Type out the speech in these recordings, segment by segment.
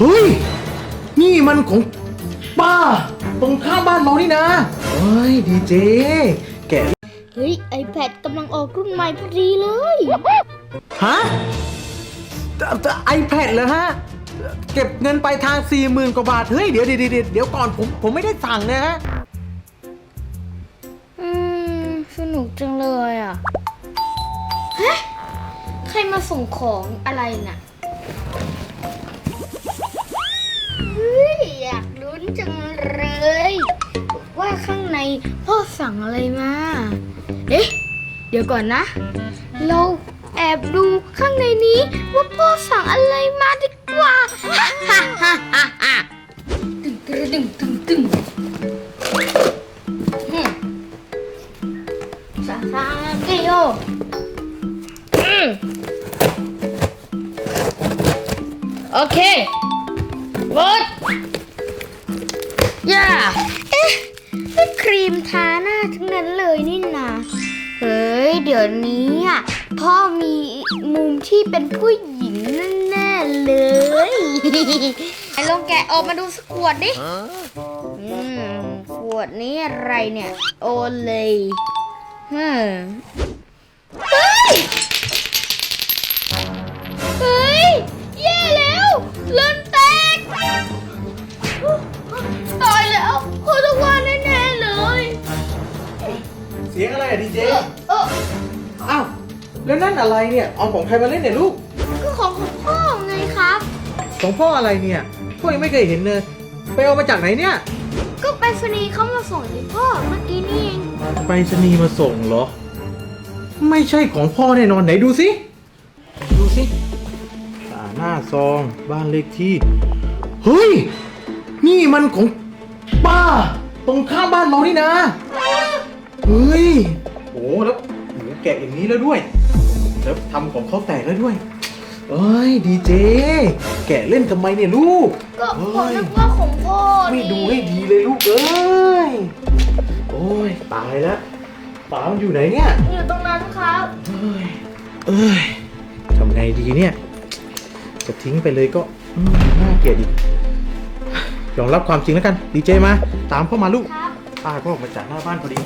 ฮ้ยนี่มันของป้าตรงข้ามบ้านเรานี่นะเฮ้ยดีเจแกะเฮ้ย iPad กำลังออกรุ่นใหม่พอดีเลยฮะไอแพดเหรอฮะเก็บเงินไปทาง 40,000 กว่าบาทเฮ้ยเดี๋ยวก่อนผมไม่ได้สั่งนะฮะสนุกจังเลยอ่ะฮะใครมาส่งของอะไรน่ะเฮ้ยอยากลุ้นจังเลยว่าข้างในพ่อสั่งอะไรมาเอ๊ะเดี๋ยวก่อนนะเราแอบดูข้างในนี้ว่าพ่อสั่งอะไรมาดีกว่าตึงซาซาเกโยโอเคบดย่าเอ๊ะนี่ครีมทาหน้าทั้งนั้นเลยนี่นาเฮ้ยเดี๋ยวนี้อ่ะพ่อมีมุมที่เป็นผู้หญิงแน่ๆเลยไอ้ลองแกะออกมาดูสักขวดดิขวดนี้อะไรเนี่ยโอเลยเฮ้ยแย่แล้วเลือดแตกตายแล้วโคตรว่าแน่ๆเลยเสียงอะไรอะดีเจอ้าวแล้วนั่นอะไรเนี่ยเอาของใครมาเล่นเนี่ยลูกก็ของพ่อไงครับของพ่ออะไรเนี่ยพ่อยังไม่เคยเห็นเลยไปเอามาจากไหนเนี่ยก็ไปรษณีย์เขามาส่งให้พ่อเมื่อกี้นี่เองไปรษณีย์มาส่งเหรอไม่ใช่ของพ่อแน่นอนไหนดูสิหน้าซองบ้านเลขที่เฮ้ยนี่มันของป้าตรงข้ามบ้านเรานี่นะเฮ้ยโอ้แล้วหนูแกะอย่างนี้แล้วด้วยแล้วทำของเขาแตกแล้วด้วยเอ้ยดีเจแกะเล่นทำไมเนี่ยลูกก็ผมนึกว่าของพ่อไม่ดูให้ดีเลยลูกเอ้ยโอ้ยตายแล้วป๋ามันอยู่ไหนเนี่ยอยู่ตรงนั้นครับเอ้ยทำไงดีเนี่ยจะทิ้งไปเลยก็น่าเกลียดอีกยอมรับความจริงแล้วกันดีเจมาตามพ่อมาลูกป้าก็ออกมาจากหน้าบ้านพอดี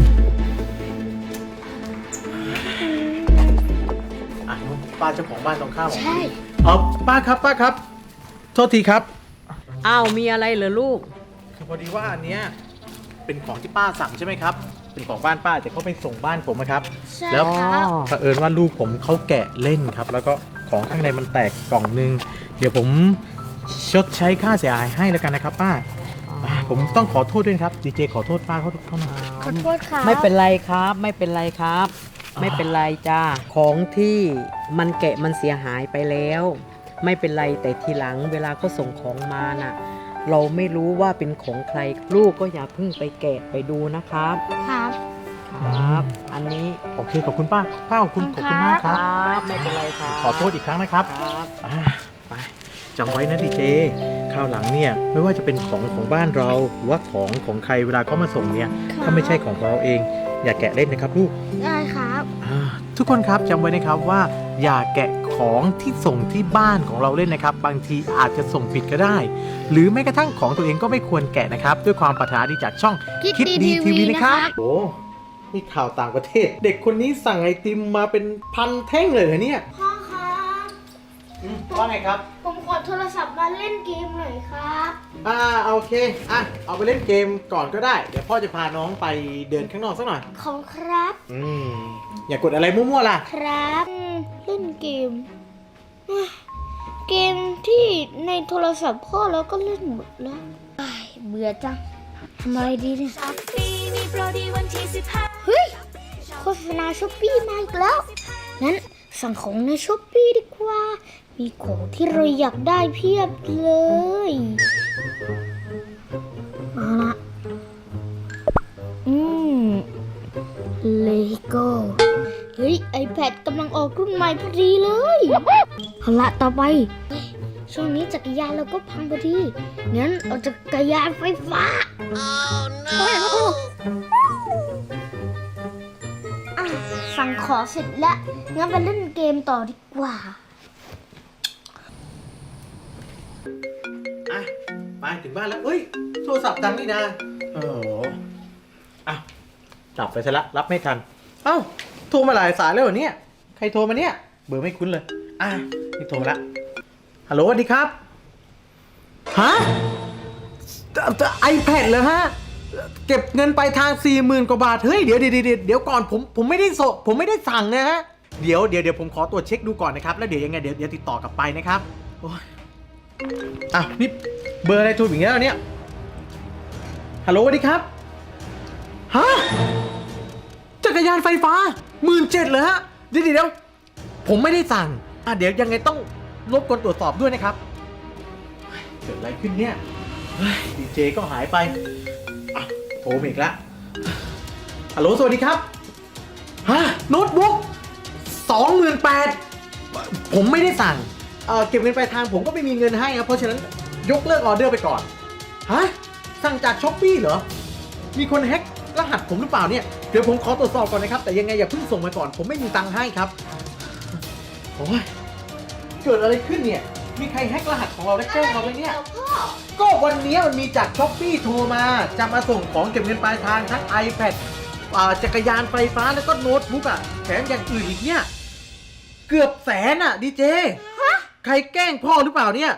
ป้าเจ้าของบ้านตรงข้ามใช่ป้าครับโทษทีครับอ้าวมีอะไรเหรอลูกคือพอดีว่าอันเนี้ยเป็นของที่ป้าสั่งใช่ไหมครับเป็นของบ้านป้าแต่เขาไปส่งบ้านผมนะครับแล้วเผอิญว่าลูกผมเขาแกะเล่นครับแล้วก็ของข้างในมันแตกกล่องนึงเดี๋ยวผมชดใช้ค่าเสียหายให้แล้วกันนะครับป้าผมต้องขอโทษด้วยครับดีเจขอโทษป้าเขาหน่อยขอโทษครับไม่เป็นไรครับไม่เป็นไรจ้าของที่มันแกะมันเสียหายไปแล้วไม่เป็นไรแต่ทีหลังเวลาเขาส่งของมาน่ะเราไม่รู้ว่าเป็นของใครลูกก็อย่าเพิ่งไปแกะไปดูนะครับครับอันนี้โอเคขอบคุณป้าขอบคุณมากครับไม่เป็นไรครับขอโทษอีกครั้งนะครับไปจำไว้นะดีเจคราวหลังเนี่ยไม่ว่าจะเป็นของบ้านเราหรือว่าของใครเวลาเขามาส่งเนี่ยถ้าไม่ใช่ของเราเองอย่าแกะเล่นนะครับลูกได้ครับทุกคนครับจำไว้นะครับว่าอย่าแกะของที่ส่งที่บ้านของเราเล่นนะครับบางทีอาจจะส่งผิดก็ได้หรือแม้กระทั่งของตัวเองก็ไม่ควรแกะนะครับด้วยความปรารถนาดีจากช่องคิดดีทีวีนะครับโอ้นี่ข่าวต่างประเทศเด็กคนนี้สั่งไอติมมาเป็นพันแท่งเลยเหรอเนี่ยพ่อครับว่าไงครับผมขอโทรศัพท์มาเล่นเกมหน่อยครับโอเคเอาไปเล่นเกมก่อนก็ได้เดี๋ยวพ่อจะพาน้องไปเดินข้างนอกสักหน่อยขอบครับอย่ากดอะไรมั่วๆล่ะครับเล่นเกมที่ในโทรศัพท์พ่อแล้วก็เล่นหมดแล้วเบื่อจังทำอะไรดีเนี่ยเฮ้ยโฆษณาช้อปปี้มาอีกแล้วงั้นสั่งของในช้อปปี้ดีกว่ามีของที่เราอยากได้เพียบเลยมาละเลโก้เฮ้ย iPad กำลังออกรุ่นใหม่พอดีเลยเอาละต่อไปช่วงนี้จักรยานเราก็พังพอดีงั้นเอาจักรยานไฟฟ้าสั่งของเสร็จแล้วงั้นไปเล่นเกมต่อดีกว่ามาถึงบ้านแล้วเอ้ยโทรศัพท์ดังนี่นะโอ้โหอ่ะจับไปซะละรับไม่ทันเอ้าโทรมาหลายสายแล้วเหรอเนี่ยใครโทรมาเนี่ยเบอร์ไม่คุ้นเลยนี่โทรมาละฮัลโหลสวัสดีครับฮะiPad เหรอฮะเก็บเงินไปทาง 40,000 กว่าบาทเฮ้ยเดี๋ยวก่อนผมไม่ได้ผมไม่ได้สั่งนะฮะเดี๋ยวผมขอตรวจเช็คดูก่อนนะครับแล้วเดี๋ยวยังไงเดี๋ยวติดต่อกลับไปนะครับโอ้ยนี่เบอร์อะไรโทรอย่างเงี้ยเนี่ยฮัลโหลสวัสดีครับฮะจักรยานไฟฟ้า 17,000เหรอฮะเดี๋ยวผมไม่ได้สั่งเดี๋ยวยังไงต้องรบกวนตรวจสอบด้วยนะครับเกิดอะไรขึ้นเนี่ยดีเจก็หายไปโทรมาอีกแล้วฮัลโหลสวัสดีครับฮะโน้ตบุ๊ก 28,000ผมไม่ได้สั่งเก็บเงินปลายทางผมก็ไม่มีเงินให้ครับเพราะฉะนั้นยกเลิกออเดอร์ไปก่อนฮะสั่งจากช้อปปี้เหรอมีคนแฮ็กรหัสผมหรือเปล่าเนี่ยเดี๋ยวผมขอตรวจสอบก่อนนะครับแต่ยังไงอย่าเพิ่งส่งมาก่อนผมไม่มีตังค์ให้ครับโอ้ยเกิดอะไรขึ้นเนี่ยมีใครแฮ็กรหัสของเราและแจ้งเราไหมเนี่ยก็วันนี้มันมีจากช้อปปี้โทรมาจะมาส่งของเก็บเงินปลายทางทั้ง iPad จักรยานไฟฟ้าแล้วก็โน้ตบุ๊กแถมอย่างอื่นอีกเนี่ยเกือบแสนดีเจใครแกล้งพ่อหรือเปล่าเนี่ย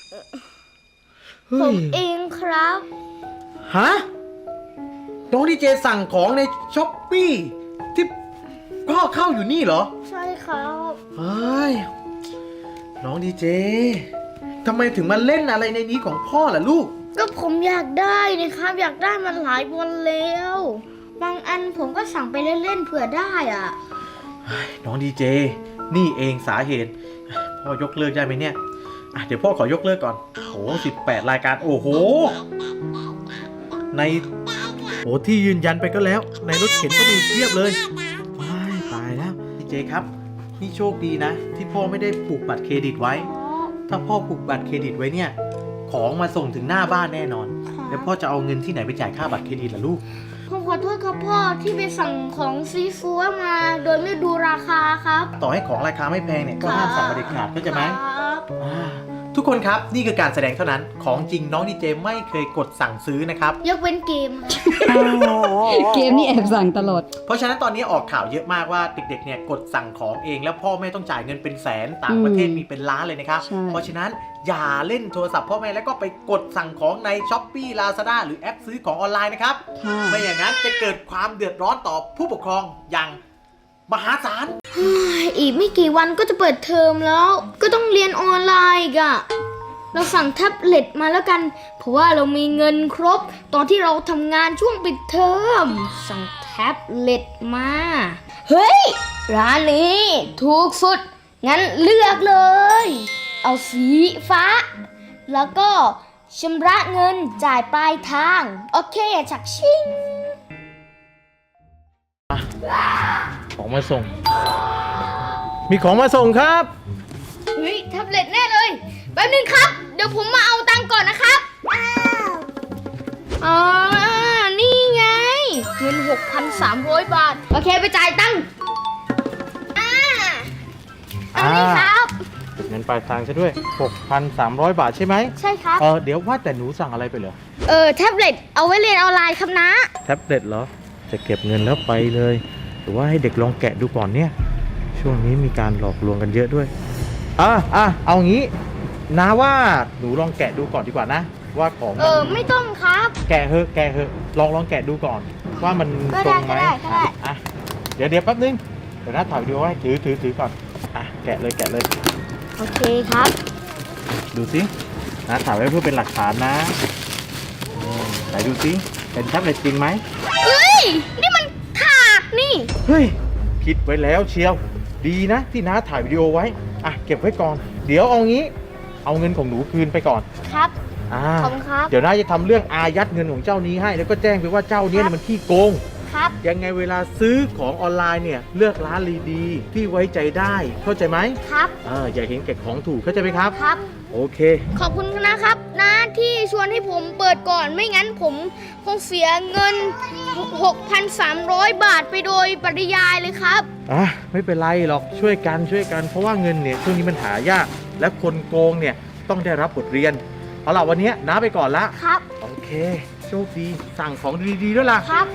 ผมเองครับฮะน้องดีเจสั่งของในช้อปปี้ที่พ่อเข้าอยู่นี่เหรอใช่ครับเฮ้ยน้องดีเจทำไมถึงมาเล่นอะไรในนี้ของพ่อล่ะลูกก็ผมอยากได้นะครับอยากได้มาหลายวันแล้วบางอันผมก็สั่งไปเล่นๆเผื่อได้น้องดีเจนี่เองสาเหตุพ่อยกเลิกได้ไหมเนี่ยเดี๋ยวพ่อขอยกเลิกก่อนโอ้18 รายการโอ้โหในที่ยืนยันไปก็แล้วในรถเข็นก็มีเทียบเลยตายแล้วดีเจครับนี่โชคดีนะที่พ่อไม่ได้ผูกบัตรเครดิตไว้ถ้าพ่อผูกบัตรเครดิตไว้เนี่ยของมาส่งถึงหน้าบ้านแน่นอนแล้วพ่อจะเอาเงินที่ไหนไปจ่ายค่าบัตรเครดิตล่ะลูกผมขอโทษครับพ่อที่ไปสั่งของซีฟู้ดมาโดยไม่ดูราคาครับต่อให้ของราคาไม่แพงเนี่ยก็ห้ามสั่งเด็ดขาดเข้าใจไหมทุกคนครับนี่คือการแสดงเท่านั้นของจริงน้องดีเจไม่เคยกดสั่งซื้อนะครับยกเว้นเกมเกมนี่แอบสั่งตลอดเพราะฉะนั้นตอนนี้ออกข่าวเยอะมากว่าเด็กๆเนี่ยกดสั่งของเองแล้วพ่อแม่ต้องจ่ายเงินเป็นแสนต่างประเทศมีเป็นล้านเลยนะครับเพราะฉะนั้นอย่าเล่นโทรศัพท์พ่อแม่แล้วก็ไปกดสั่งของใน Shopee Lazada หรือแอปซื้อของออนไลน์นะครับไม่อย่างนั้นจะเกิดความเดือดร้อนต่อผู้ปกครองอย่างมหาศาลอีกไม่กี่วันก็จะเปิดเทอมแล้วก็ต้องเรียนออนไลน์อีกเราสั่งแท็บเล็ตมาแล้วกันเพราะว่าเรามีเงินครบตอนที่เราทำงานช่วงปิดเทอมสั่งแท็บเล็ตมาเฮ้ยร้านนี้ถูกสุดงั้นเลือกเลยเอาสีฟ้าแล้วก็ชำระเงินจ่ายปลายทางโอเคฉักชิงของมาส่งมีของมาส่งครับเฮ้ยแท็บเล็ตแน่เลยแป๊บนึงครับเดี๋ยวผมมาเอาตังค์ก่อนนะครับนี่ไงเงิน 6,300 บาทโอเคไปจ่ายตังค์อันนี้ครับเงินปลายทางใช่ด้วย 6,300 บาทใช่ไหมใช่ครับเดี๋ยวว่าแต่หนูสั่งอะไรไปเหรอแท็บเล็ตเอาไว้เรียนออนไลน์ครับนะแท็บเล็ตเหรอจะเก็บเงินแล้วไปเลยหรือว่าให้เด็กลองแกะดูก่อนเนี่ยช่วงนี้มีการหลอกลวงกันเยอะด้วยเอางี้นะว่าหนูลองแกะดูก่อนดีกว่านะว่าของไม่ต้องครับแกะเถอะลองแกะดูก่อนว่ามันตรงไหมเดี๋ยวแป๊บนึงเดี๋ยวนะถ่ายวิดีโอให้ถือก่อนแกะเลยโอเคครับดูสินะถ่ายไว้เพื่อเป็นหลักฐานนะไหนดูสิเป็นแท็บเล็ตจริงไหมเฮ้ยนี่มันถากนี่เฮ้ยคิดไว้แล้วเชียวดีนะที่น้าถ่ายวิดีโอไว้เก็บไว้ก่อนเดี๋ยวเอางี้เอาเงินของหนูคืนไปก่อนครับขอบคุณครับเดี๋ยวน้าจะทำเรื่องอายัดเงินของเจ้านี้ให้แล้วก็แจ้งไปว่าเจ้านี้มันขี้โกงครับยังไงเวลาซื้อของออนไลน์เนี่ยเลือกร้านดีๆที่ไว้ใจได้เข้าใจไหมครับอย่าเห็นแก่ของถูกเข้าใจไหมครับครับโอเคขอบคุณนะครับนะที่ชวนให้ผมเปิดก่อนไม่งั้นผมคงเสียเงิน 6,300 บาทไปโดยปริยายเลยครับไม่เป็นไรหรอกช่วยกันเพราะว่าเงินเนี่ยช่วงนี้มันหายากและคนโกงเนี่ยต้องได้รับบทเรียนเอาล่ะวันนี้น้าไปก่อนละครับโอเคโชคดีสั่งของดีๆด้วยล่ะครับ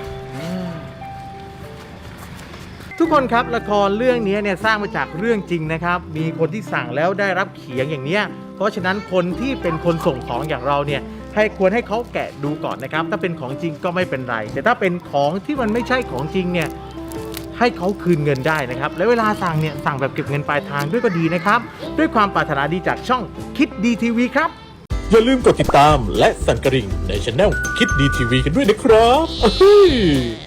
ทุกคนครับละครเรื่องนี้เนี่ยสร้างมาจากเรื่องจริงนะครับ มีคนที่สั่งแล้วได้รับเขียงอย่างเนี้ยเพราะฉะนั้นคนที่เป็นคนส่งของอย่างเราเนี่ยควรให้เขาแกะดูก่อนนะครับ ถ้าเป็นของจริงก็ไม่เป็นไร แต่ถ้าเป็นของที่มันไม่ใช่ของจริงเนี่ยให้เขาคืนเงินได้นะครับ และเวลาสั่งเนี่ยสั่งแบบเก็บเงินปลายทางด้วยก็ดีนะครับ ด้วยความปรารถนาดีจากช่องคิดดีทีวีครับอย่าลืมกดติดตามและสั่นกระดิ่งในช anel คิดดีทีวีกันด้วยนะครับ